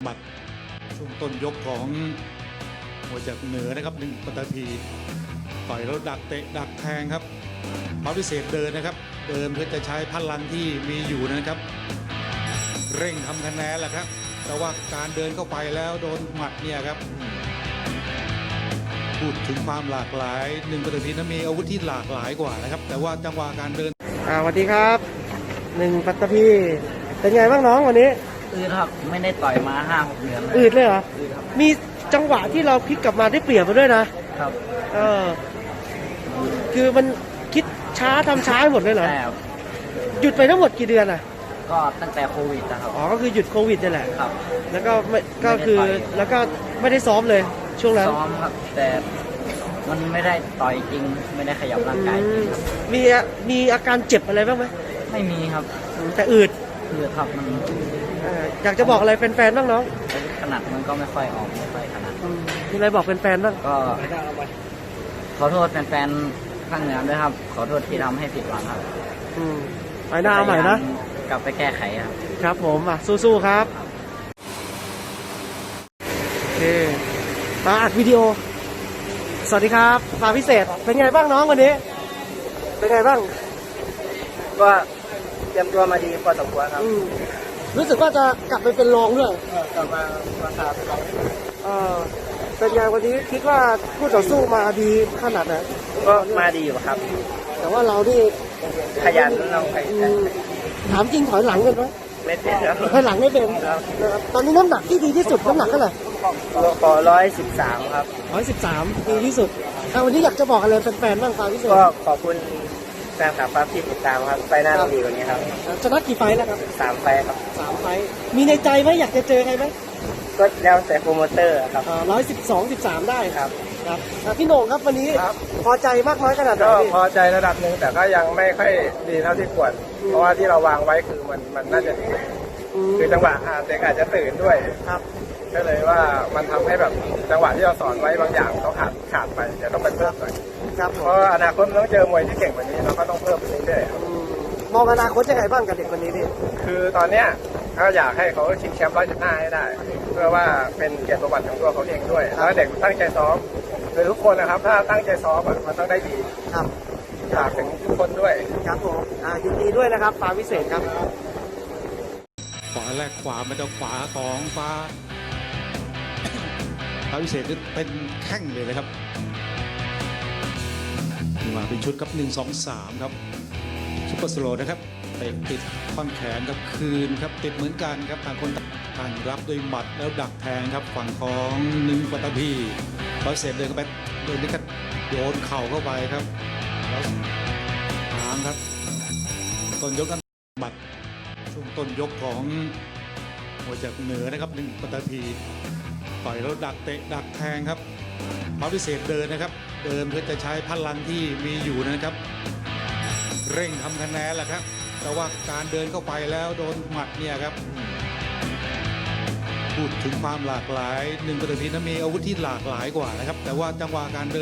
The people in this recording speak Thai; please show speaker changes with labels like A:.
A: หมัดช่วงต้นยกของมวยจากเหนือนะครับหนึ่งปตพีต่อยแล้วดักเตะดักแทงครับฟ้าวิเศษเดินนะครับเดินเพื่อจะใช้พลังที่มีอยู่นะครับเร่งทำคะแนนแหละครับแต่ว่าการเดินเข้าไปแล้วโดนหมัดเนี่ยครับพูดถึงความหลากหลายหนึ่งปตพีนั้นมีอาวุธที่หลากหลายกว่านะครับแต่ว่าจังหวะการเดิน
B: สวัสดีครับหนึ่งปัตตภีเป็นไงบ้างน้องวันนี้
C: อืดครับไม่ได้ต่อยมา5-6 เดือน
B: อืดเลยเหรอมีจังหวะที่เราพลิกกลับมาได้เปรียบมาด้วยนะครับคือมันคิดช้าทำช้าหมดเลยเหรอ
C: ใช่ครับ
B: หยุดไปทั้งหมดกี่เดือนอ่ะ
C: ก็ตั้งแต่โควิดนะครับ
B: อ๋อก็คือหยุดโควิดนี่แหละ
C: ครับ
B: แล้วก็ไม่ก็คือแล้วก็ไม่ได้ซ้อมเลยช่วงนั้น
C: ซ้อมครับแต่มันไม่ได้ต่อยจริงไม่ได้ขยับร่างกายจริงครับ
B: มีอาการเจ็บอะไรบ้างไหม
C: ไม่มีครับ
B: แต่อืด
C: ครับมัน
B: อยากจะบอกอะไรแฟนๆบ้างน้อง
C: ขนาดมันก็ไม่ค่อยออกไม่ค่อยขนาด
B: มีอะไรบอกแฟนๆบ้าง
C: ก็ขอโทษแฟนๆข้างเหนือด้วยครับขอโทษที่ทำให้ผิดหวังครับ
B: ไปหน้าเอาใหม่นะ
C: กลับไปแก้ไขครับ
B: ครับผมสู้ๆครับโอเคมาอัดวิดีโอสวัสดีครับมาพิเศษเป็นไงบ้างน้องวันนี้เป็นไงบ้าง
C: ก็เตรียมตัวมาดีพอสมควรครับ
B: รู้สึกว่าจะกลับไปเป็นรองด้วย
C: กลับมาครับ
B: เป็นไงวันนี้คิดว่าคู่ต่อสู้มาดีขนาดไหน
C: ก็มาดีอยู่ครับ
B: แต่ว่าเรานี่
C: ขยันเราไป
B: ถามจริงถอยหลังกันไหม
C: ไม่เป็นครับ
B: ถอยหลังไม่เป็นตอนนี้น้ำหนักที่ดีที่สุดน้ำหนักเท่าไหร่
C: ขอ113ครับ
B: 113ดีที่สุดวันนี้อยากจะบอกอะไรแฟนๆบ้างครับพี่สุ
C: ก็ขอบคุณแฟนคลับครับที่ติดตามครับไฟหน้าดีกว่านี้ครับ
B: ชนะกี่ไฟแล้วครับ
C: 3 ไฟครับ
B: 3 ไฟมีในใจไหมอยากจะเจอใครไหม
C: ก็แล้วแต่โปรโมเตอร์ครับ
B: 112-13ได้ครับพี่โหน่งครับวันนี้พอใจมากน้อยขนาดไหน
D: ก็พอใจระดับหนึ่งแต่ก็ยังไม่ค่อยดีเท่าที่ควรเพราะว่าที่เราวางไว้คือมันน่าจะดีคือจังหวะเด็กอาจจะตื่นด้วย
B: ครับ
D: ก็เลยว่ามันทำให้แบบจังหวะที่เราสอนไว้บางอย่างเขาขาดไปเดี๋ยวต้องไปเพิ่มหน่อยเพราะอนาคตต้องเจอมวยที่เก่งกว่านี้เราก็ต้องเพิ่มไปเรื่อย
B: ๆมองอนาคตยังไงบ้างกับเด็กคนนี้นี่
D: คือตอนเนี้ยก็อยากให้เขาชิงแชมป์115ให้ได้เพื่อว่าเป็นเกียรติประวัติของตัวเขาเองด้วยแล้วเด็กตั้งใจซ้อมคือทุกคนนะครับถ้าตั้งใจซ้อมมันต้องได้ดี
B: ครับ
D: ฝากถึงทุกคนด้วย
B: ครับผมยินดีด้วยนะครับฟ้าวิเศษครับ
A: ขวาแรกขวามันจะขวาของฟ้าวิเศษนี่เป็นแข้งเลยนะครับมาเป็นชุดครับ1-2-3ครับซุปเปอร์สโลว์นะครับเตะติดท่อนแขนครับคืนครับติดเหมือนกันครับต่างคนต่างรับด้วยหมัดแล้วดักแทงครับฝั่งของหนึ่งปตพีฟ้าวิเศษเดินเข้าไปโดยนี่ก็โยนเข่าเข้าไปครับแล้วหางครับต้นยกนั้นหมัดช่วงต้นยกของมวยจากเหนือนะครับหนึ่งปตพีต่อยแล้วดักเตะดักแทงครับฟ้าวิเศษเดินนะครับเดินเพื่อจะใช้พลังที่มีอยู่นะครับเร่งทำคะแนนแหละครับแต่ว่าการเดินเข้าไปแล้วโดนหมัดเนี่ยครับพูดถึงความหลากหลายหนึ่งปตพีนั้นมีอาวุธที่หลากหลายกว่านะครับแต่ว่าจังหวะการเดิน